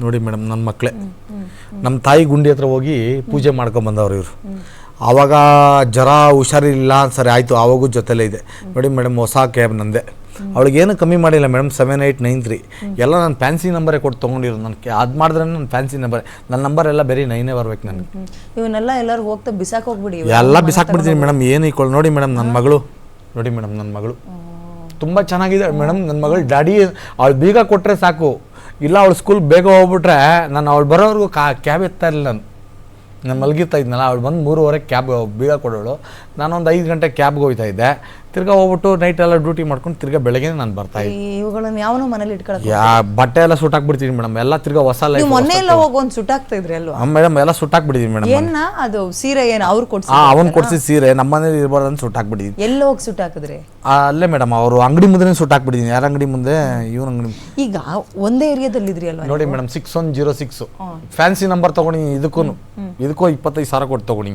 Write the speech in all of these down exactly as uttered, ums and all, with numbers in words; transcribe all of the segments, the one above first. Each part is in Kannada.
ನೋಡಿ ಮೇಡಮ್ ನನ್ನ ಮಕ್ಕಳೇ ನಮ್ಮ ತಾಯಿ ಗುಂಡಿ ಹತ್ರ ಹೋಗಿ ಪೂಜೆ ಮಾಡ್ಕೊಂಬಂದವ್ರು ಇವರು. ಆವಾಗ ಜ್ವರ ಹುಷಾರಿಲ್ಲ ಸರಿ ಆಯಿತು, ಆವಾಗೂ ಜೊತೆಲೇ ಇದೆ. ನೋಡಿ ಮೇಡಮ್ ಹೊಸ ಕ್ಯಾಬ್ ನಂದೆ, ಅವಳಿಗೇನು ಕಮ್ಮಿ ಮಾಡಿಲ್ಲ madam. Seven eight nine three ಎಲ್ಲ ನಾನು ಫ್ಯಾನ್ಸಿ ನಂಬರೇ ಕೊಟ್ಟು ತೊಗೊಂಡಿರೋದು. ನನಗೆ ಅದು ಮಾಡಿದ್ರೆ ನನ್ನ ಫ್ಯಾನ್ಸಿ ನಂಬರ್, ನನ್ನ ನಂಬರ್ ಎಲ್ಲ ಬೇರೆ ನೈನೇ ಬರ್ಬೇಕು ನನಗೆ. ಇವನ್ನೆಲ್ಲ ಎಲ್ಲರೂ ಹೋಗ್ತಾ ಬಿಸಾಕ್ ಹೋಗ್ಬಿಡಿ, ಎಲ್ಲ ಬಿಸಾಕ್ಬಿಡ್ತೀನಿ ಮೇಡಮ್. ಏನು ಇಕ್ಕೊಳ್ಳಿ ನೋಡಿ ಮೇಡಮ್ ನನ್ನ ಮಗಳು, ನೋಡಿ ಮೇಡಮ್ ನನ್ನ ಮಗಳು ತುಂಬ ಚೆನ್ನಾಗಿದೆ ಮೇಡಮ್. ನನ್ನ ಮಗಳು ಡ್ಯಾಡಿ ಅವಳು ಬೀಗ ಕೊಟ್ಟರೆ ಸಾಕು, ಇಲ್ಲ ಅವಳು ಸ್ಕೂಲ್ ಬೇಗ ಹೋಗ್ಬಿಟ್ರೆ ನಾನು ಅವಳು ಬರೋವರೆಗೂ ಕಾ ಕ್ಯಾಬ್ ಎತ್ತಾ ಇಲ್ಲ. ನಾನು ನಾನು ಮಲಗಿರ್ತಾ ಇದ್ನಲ್ಲ, ಅವಳು ಬಂದು ಮೂರುವರೆಗೆ ಕ್ಯಾಬ್ ಬೀಗ ಕೊಡೋಳು. ನಾನೊಂದು ಐದು ಗಂಟೆ ಕ್ಯಾಬ್ಗೆ ಹೋಗ್ತಾ ಇದ್ದೆ. ತಿರ್ಗಾ ಹೋಗ್ಬಿಟ್ಟು ನೈಟ್ ಎಲ್ಲ ಡ್ಯೂಟಿ ಮಾಡ್ಕೊಂಡು ತಿರ್ಗಾ ಬೆಳಗ್ಗೆ ನಾನು ಬರ್ತಾ ಇದ್ದೆ. ಇವುಗಳನ್ನ ಯಾವನೋ ಮನೇಲಿ ಇಟ್ಕೊಳ್ಳೋದು, ಯಾ ಬಟ್ಟೆ ಎಲ್ಲ ಸುಟ್ಟಾಕ್ಬಿಡ್ತೀನಿ ಮೇಡಮ್. ಎಲ್ಲ ತಿರ್ಗಾ ಹೊಸ ಲೈಫ್. ಮೊನ್ನೆ ಎಲ್ಲ ಹೋಗಿ ಒಂದು ಸುಟ್ಟಾಕ್ತಾ ಇದ್ರಿ ಅಲ್ವಾ ಮೇಡಮ್? ಎಲ್ಲ ಸುಟ್ಟಾಕ್ಬಿಟ್ಟಿದ್ದೀನಿ ಮೇಡಮ್. ಏನ ಅದು ಸೀರೆ ಏನು ಅವ್ರು ಕೊಡ್ಸಿ? ಹಾಂ, ಅವ್ನು ಕೊಡ್ಸಿ ಸೀರೆ ನಮ್ಮ ಮನೇಲಿ ಇರ್ಬಾರ್ದು ಅಂತ ಸುಟ್ಟಾಕ್ಬಿಟ್ಟಿದ್ದೀನಿ. ಎಲ್ಲ ಹೋಗಿ ಸುಟ್ಟಾಕಿದ್ರಿ? ಅಲ್ಲೇ ಮೇಡಮ್, ಅವರು ಅಂಗಡಿ ಮುಂದೆ ಸುಟ್ಟಾಕ್ಬಿಟ್ಟಿದ್ದೀನಿ. ಯಾರ ಅಂಗಡಿ ಮುಂದೆ? ಇವ್ರ ಅಂಗಡಿ. ಈಗ ಒಂದೇ ಏರಿಯಾದಲ್ಲಿ ಇದ್ರಿ ಅಲ್ವಾ? ನೋಡಿ madam, six one zero six fancy number ತಗೊಂಡಿನಿ. ಇದಕ್ಕೂ ಇದಕ್ಕೂ ಇಪ್ಪತ್ತೈದು ಸಾವಿರ ಕೊಟ್ಟು ತಗೊಂಡಿನಿ.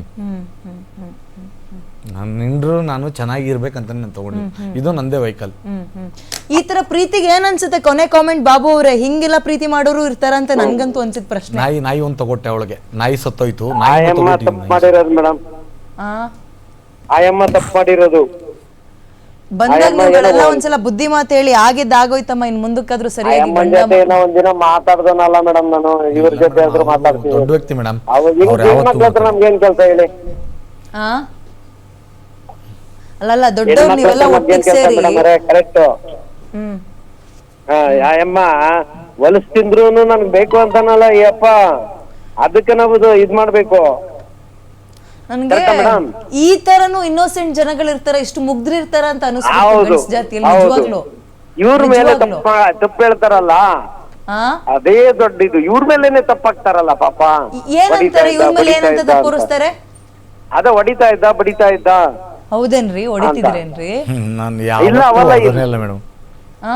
ನಾನು ನಿಂಡ್ರು ನಾನು ಚೆನ್ನಾಗಿರ್ಬೇಕಂತ ನಾನು ತಗೊಂಡು, ಇದು ನಂದೇ ವೆಹಿಕಲ್. ಈ ತರ ಪ್ರೀತಿಗೆ ಏನ್ ಅನ್ಸುತ್ತೆ? ಕೊನೆ ಕಾಮೆಂಟ್ ಬಾಬು ಅವರೇ, ಹಿಂಗೆಲ್ಲ ಪ್ರೀತಿ ಮಾಡೋರು ಇರ್ತಾರಂತ ನನ್ಗಂತೂ ಅನ್ಸಿದ ಪ್ರಶ್ನೆ. ನಾಯಿ ನಾಯಿ ಒಂದ್ ತಗೊಟ್ಟೆ ಅವಳಿಗೆ, ನಾಯಿ ಸತ್ತೋಯ್ತು. ಮಾಡಿರೋದು ಮೇಡಮ್, ಆಯಮ್ಮ ತಪ್ಪು ಮಾಡಿರೋದು. ಬಂದಾಗ ನೀವುಗಳೆಲ್ಲ ಒಂದ್ಸಲ ಬುದ್ಧಿ ಮಾತು ಹೇಳಿ ಆಗಿದ್ದ ಆಗೋಯ್ತಮ್ಮ, ಇನ್ ಮುಂದಕ್ಕಾದ್ರೂ ಸರಿಯಾಗಿ ಒಂದಿನ ಮಾತಾಡ್ದನಲ್ಲ ಮೇಡಮ್, ನಾನು ಇವ್ರ ಜೊತೆ ಆದ್ರೂ ಮಾತಾಡ್ತೀನಿ. ದೊಡ್ಡ ವ್ಯಕ್ತಿ ಮೇಡಮ್, ನಮ್ಗೇನ್ ಕೆಲಸ ಹೇಳಿ? ಆ ಅಲ್ಲಲ್ಲ ದೊಡ್ಡವ್ರು ನೀವೆಲ್ಲ ಒಟ್ಟಿಗೆ ಸೇರಿ ಕರೆಕ್ಟ್. ಹ್ಮ್ ಯಾಯಮ್ಮ ಹೊಲಸ್ ತಿಂದ್ರೂನು ನನ್ಗೆ ಬೇಕು ಅಂತಾನಲ್ಲ ಯಪ್ಪ, ಅದಕ್ಕೆ ನಾವು ಇದ್ ಮಾಡ್ಬೇಕು. ನನ್ಗೆ ಈ ತರನು ಇನ್ನೋಸೆಂಟ್ ಜನಗಳಿರ್ತಾರ, ಇಷ್ಟು ಮುಗ್ಧರಿರ್ತಾರ ಅಂತ ಅನಿಸ್ತು ಜಾತಿಯಲ್ಲಿ ನಿಜವಾಗ್ಲು. ಇವ್ರ ಮೇಲೆ ತಪ್ಪ ತಪ್ಪು ಹೇಳ್ತಾರಲ್ಲ, ಅದೇ ದೊಡ್ಡ ಇದು. ಇವ್ರ ಮೇಲೆನೆ ತಪ್ಪಾಗ್ತಾರಲ್ಲ ಪಾಪ. ಏನಂತಾರೆ ಇವ್ರ ಮೇಲೆ? ಏನಂತ ತಪ್ಪುರಿಸ್ತಾರೆ? ಅದ ಹೊಡಿತಾ ಇದ್ದ ಬಡಿತಾ ಇದ್ದ. ಹೌದೇನ್ರಿ? ಹೊಡಿತಿದ್ರೇನ್ರಿ? ಇಲ್ಲ ಅವಲ್ಲ ಮೇಡಮ್. ಆ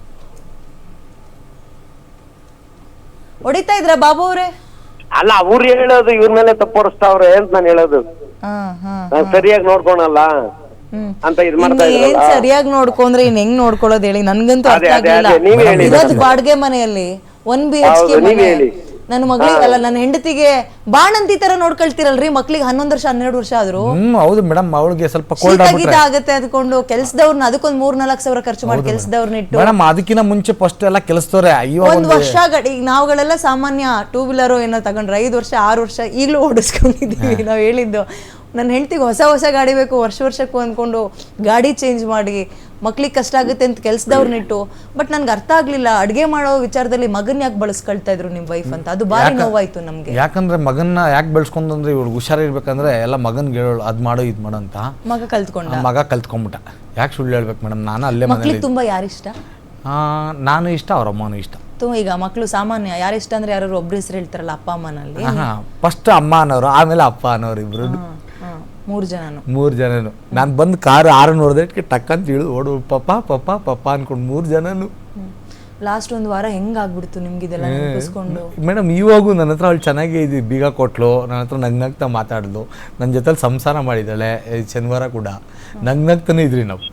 ಹೊಡಿತಾ ಇದ್ರ ಬಾಬು ಅವ್ರೆ? ಅಲ್ಲ, ಅವ್ರು ಹೇಳೋದು ಇವ್ರ ಮೇಲೆ ತಪ್ಪೋರಿಸ್ತಾವ್ರೆ ಅಂತ ನಾನು ಹೇಳೋದು. ಸರಿಯಾಗಿ ನೋಡ್ಕೊಳಲ್ಲ ಅಂತ ಇದ್ ಮಾಡ್ತಾ ಏನ್ ಸರಿಯಾಗಿ ನೋಡ್ಕೊಂಡ್ರೆ ಇನ್ ಹೆಂಗ್ ನೋಡ್ಕೊಳ್ಳೋದ್ ಹೇಳಿ? ನನ್ಗಂತೂ ಅರ್ಥ ಆಗ್ಲಿಲ್ಲ. ಇರೋದು ಬಾಡ್ಗೆ ಮನೆಯಲ್ಲಿ ಒನ್ ಬಿ ಎಚ್ ಕೆ ಮನೆ. ನನ್ನ ಮಗಳಿಗೆ ಅಲ್ಲ, ನನ್ನ ಹೆಂಡತಿಗೆ ಬಾಣಂತಿ ತರ ನೋಡ್ಕೊಳ್ತಿರಲ್ರಿ. ಮಕ್ಳಿಗೆ ಹನ್ನೊಂದು ವರ್ಷ ಹನ್ನೆರಡು ವರ್ಷ ಆದ್ರು. ಹೌದು ಮೇಡಮ್, ಅವಳಿಗೆ ಸ್ವಲ್ಪ ಶೀತ ಆಗತ್ತೆ ಅದ್ಕೊಂಡು ಕೆಲ್ಸದವ್ರನ್ನ ಅದಕ್ಕೊಂದ್ ಮೂರ್ ನಾಲ್ಕು ಸಾವಿರ ಖರ್ಚು ಮಾಡಿ ಕೆಲ್ಸದವ್ರನ್ನ ಇಟ್ಟು ಮೇಡಮ್, ಅದಕ್ಕಿಂತ ಮುಂಚೆ ಫಸ್ಟ್ ಎಲ್ಲ ಕೆಲಸದವ್ರೆ. ಒಂದ್ ವರ್ಷ ಗಡಿ ನಾವುಗಳೆಲ್ಲ ಸಾಮಾನ್ಯ ಟೂ ವೀಲರ್ ಏನೋ ತಗೊಂಡ್ರೆ ಐದು ವರ್ಷ ಆರು ವರ್ಷ ಈಗಲೂ ಓಡಿಸ್ಕೊಂಡಿದೀವಿ. ನಾವ್ ಹೇಳಿದ್ದು ನನ್ನ ಹೆಂಡತಿಗೆ ಹೊಸ ಹೊಸ ಗಾಡಿ ಬೇಕು ವರ್ಷ ವರ್ಷಕ್ಕೂ ಅಂದ್ಕೊಂಡು ಗಾಡಿ ಚೇಂಜ್ ಮಾಡಿ ಮಕ್ಳಿಗೆ ಕಷ್ಟ ಆಗುತ್ತೆ ಅಂತ ಕೆಲ್ಸದವ್ರನ್ನಿಟ್ಟು. ಬಟ್ ನನ್ಗೆ ಅರ್ಥ ಆಗ್ಲಿಲ್ಲ, ಅಡ್ಗೆ ಮಾಡೋ ವಿಚಾರದಲ್ಲಿ ಮಗನ್ ಯಾಕೆ ಬಳಸ್ಕೊಳ್ತಾ ಇದ್ರು ನಿಮ್ ವೈಫ್ ಅಂತ. ಅದು ಬಾರಿ ನೋವಾಯ್ತು ನಮ್ಗೆ. ಯಾಕಂದ್ರೆ ಮಗನ್ನ ಯಾಕೆ ಬೆಳೆಸ್ಕೊಂಡ್ರೆ ಇವ್ಳಿಗೆ ಹುಷಾರಿರ್ಬೇಕಂದ್ರೆ ಎಲ್ಲ ಮಗನ್ಗೆ ಹೇಳೋಳು ಅದ್ ಮಾಡೋ ಇದ್ ಮಾಡೋ ಅಂತ. ಮಗ ಕಲ್ತ್ಕೊಂಡ ಮಗ ಕಲ್ತ್ಕೊಂಡ್ಬಿಟ್ಟ. ಯಾಕೆ ಸುಳ್ಳು ಹೇಳ್ಬೇಕು ಮೇಡಮ್? ನಾನು ಅಲ್ಲೇ ಮಕ್ಳಿಗೆ ತುಂಬಾ ಯಾರಿಷ್ಟ? ನಾನು ಇಷ್ಟ, ಅವ್ರ ಅಮ್ಮನೂ ಇಷ್ಟ. ಈಗ ಮಕ್ಳು ಸಾಮಾನ್ಯ ಯಾರಿಷ್ಟ ಅಂದ್ರೆ ಯಾರು ಒಬ್ರು ಹೆಸರು ಹೇಳ್ತಾರಲ್ಲ ಅಪ್ಪ ಅಮ್ಮನಲ್ಲಿ. ಫಸ್ಟ್ ಅಮ್ಮ ಅನ್ನೋರು, ಆಮೇಲೆ ಅಪ್ಪ ಅನ್ನೋರು ಇಬ್ರು. ಮೂರು ಜನನು ಮೂರು ಜನನು ನಾನು ಬಂದು ಕಾರ್ ಆರು ನೋಡಿದಕ್ಕೆ ಟಕ್ ಅಂತ ಇಳಿದು ಓಡು ಪಪ್ಪ ಪಪ್ಪ ಪಪ್ಪ ಅನ್ಕೊಂಡು ಮೂರು ಜನನು. ಲಾಸ್ಟ್ ಒಂದು ವಾರ ಹೆಂಗ್ ಆಗ್ಬಿಡ್ತು ನಿಮ್ಗೆ ಇದೆಲ್ಲ ನೆನಪಿಸ್ಕೊಂಡು? ಮೇಡಮ್ ಇವಾಗೂ ನನ್ನ ಹತ್ರ ಅವಳು ಚೆನ್ನಾಗೇ ಇದು ಬೀಗ ಕೊಟ್ಲು, ನನ್ನ ಹತ್ರ ನಗ್ನಗ್ತಾ ಮಾತಾಡ್ಲು, ನನ್ನ ಜೊತೆಲಿ ಸಂಸಾರ ಮಾಡಿದ್ದಾಳೆ. ಶನಿವಾರ ಕೂಡ ನಗ್ನಗ್ತಾನೆ ಇದ್ರಿ ನಾವು.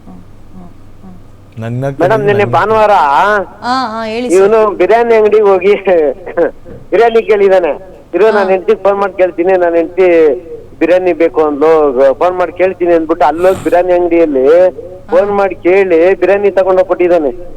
ಮೇಡಮ್ ನಿನ್ನೆ ಭಾನುವಾರ ಇವನು ಬಿರಿಯಾನಿ ಅಂಗಡಿಗೆ ಹೋಗಿ ಬಿರಿಯಾನಿ ಕೇಳಿದಾನೆ. ಇರೋ ನಾನು ಹೆಂಡತಿಗೆ ಫೋನ್ ಮಾಡಿ ಕೇಳ್ತೀನಿ, ನಾನು ಹೆಂಡತಿ ಬಿರಿಯಾನಿ ಬೇಕು ಅಂದ್ಲು, ಫೋನ್ ಮಾಡಿ ಕೇಳ್ತೀನಿ ಅಂದ್ಬಿಟ್ಟು ಅಲ್ಲೋಗಿ ಬಿರಿಯಾನಿ ಅಂಗಡಿಯಲ್ಲಿ ಫೋನ್ ಮಾಡಿ ಕೇಳಿ ಬಿರಿಯಾನಿ ತಗೊಂಡೋಗ್ಬಿಟ್ಟಿದ್ದಾನೆ.